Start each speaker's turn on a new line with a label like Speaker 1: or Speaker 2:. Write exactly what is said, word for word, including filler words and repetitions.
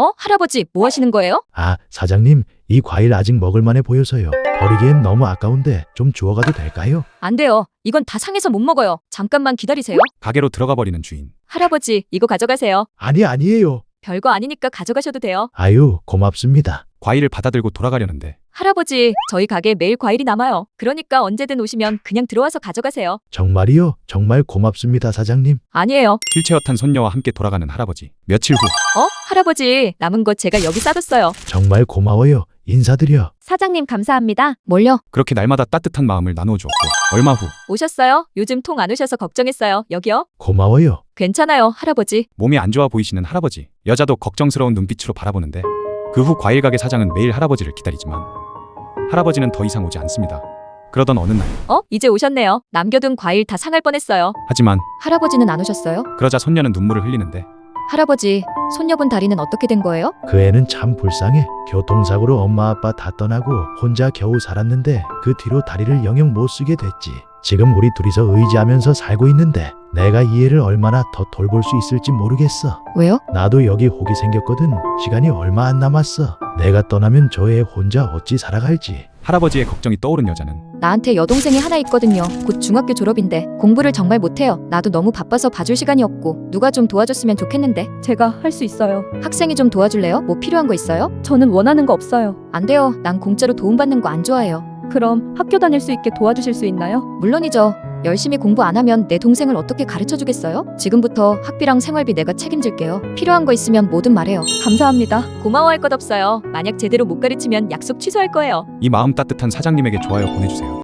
Speaker 1: 어? 할아버지, 뭐 하시는 거예요?
Speaker 2: 아, 사장님, 이 과일 아직 먹을만해 보여서요. 버리기엔 너무 아까운데 좀 주워가도 될까요?
Speaker 1: 안 돼요. 이건 다 상해서 못 먹어요. 잠깐만 기다리세요.
Speaker 3: 가게로 들어가 버리는 주인.
Speaker 1: 할아버지, 이거 가져가세요.
Speaker 2: 아니, 아니에요.
Speaker 1: 별거 아니니까 가져가셔도 돼요.
Speaker 2: 아유, 고맙습니다.
Speaker 3: 과일을 받아들고 돌아가려는데
Speaker 1: 할아버지, 저희 가게 매일 과일이 남아요. 그러니까 언제든 오시면 그냥 들어와서 가져가세요.
Speaker 2: 정말이요? 정말 고맙습니다, 사장님.
Speaker 1: 아니에요.
Speaker 3: 휠체어 탄 손녀와 함께 돌아가는 할아버지. 며칠 후
Speaker 1: 어? 할아버지, 남은 것 제가 여기 싸뒀어요.
Speaker 2: 정말 고마워요. 인사드려.
Speaker 1: 사장님 감사합니다. 뭘요?
Speaker 3: 그렇게 날마다 따뜻한 마음을 나누어 주었고 얼마 후
Speaker 1: 오셨어요? 요즘 통 안 오셔서 걱정했어요. 여기요?
Speaker 2: 고마워요.
Speaker 1: 괜찮아요, 할아버지.
Speaker 3: 몸이 안 좋아 보이시는 할아버지. 여자도 걱정스러운 눈빛으로 바라보는데 그 후 과일 가게 사장은 매일 할아버지를 기다리지만 할아버지는 더 이상 오지 않습니다. 그러던 어느 날
Speaker 1: 어? 이제 오셨네요. 남겨둔 과일 다 상할 뻔했어요.
Speaker 3: 하지만
Speaker 1: 할아버지는 안 오셨어요?
Speaker 3: 그러자 손녀는 눈물을 흘리는데
Speaker 1: 할아버지, 손녀분 다리는 어떻게 된 거예요?
Speaker 2: 그 애는 참 불쌍해. 교통사고로 엄마 아빠 다 떠나고 혼자 겨우 살았는데 그 뒤로 다리를 영영 못 쓰게 됐지. 지금 우리 둘이서 의지하면서 살고 있는데 내가 이 애를 얼마나 더 돌볼 수 있을지 모르겠어.
Speaker 1: 왜요?
Speaker 2: 나도 여기 혹이 생겼거든. 시간이 얼마 안 남았어. 내가 떠나면 저 애 혼자 어찌 살아갈지.
Speaker 3: 할아버지의 걱정이 떠오른 여자는
Speaker 1: 나한테 여동생이 하나 있거든요. 곧 중학교 졸업인데 공부를 정말 못해요. 나도 너무 바빠서 봐줄 시간이 없고 누가 좀 도와줬으면 좋겠는데.
Speaker 4: 제가 할 수 있어요.
Speaker 1: 학생이 좀 도와줄래요? 뭐 필요한 거 있어요?
Speaker 4: 저는 원하는 거 없어요.
Speaker 1: 안 돼요. 난 공짜로 도움받는 거 안 좋아해요.
Speaker 4: 그럼 학교 다닐 수 있게 도와주실 수 있나요?
Speaker 1: 물론이죠. 열심히 공부 안 하면 내 동생을 어떻게 가르쳐 주겠어요? 지금부터 학비랑 생활비 내가 책임질게요. 필요한 거 있으면 뭐든 말해요.
Speaker 4: 감사합니다.
Speaker 1: 고마워할 것 없어요. 만약 제대로 못 가르치면 약속 취소할 거예요.
Speaker 3: 이 마음 따뜻한 사장님에게 좋아요 보내주세요.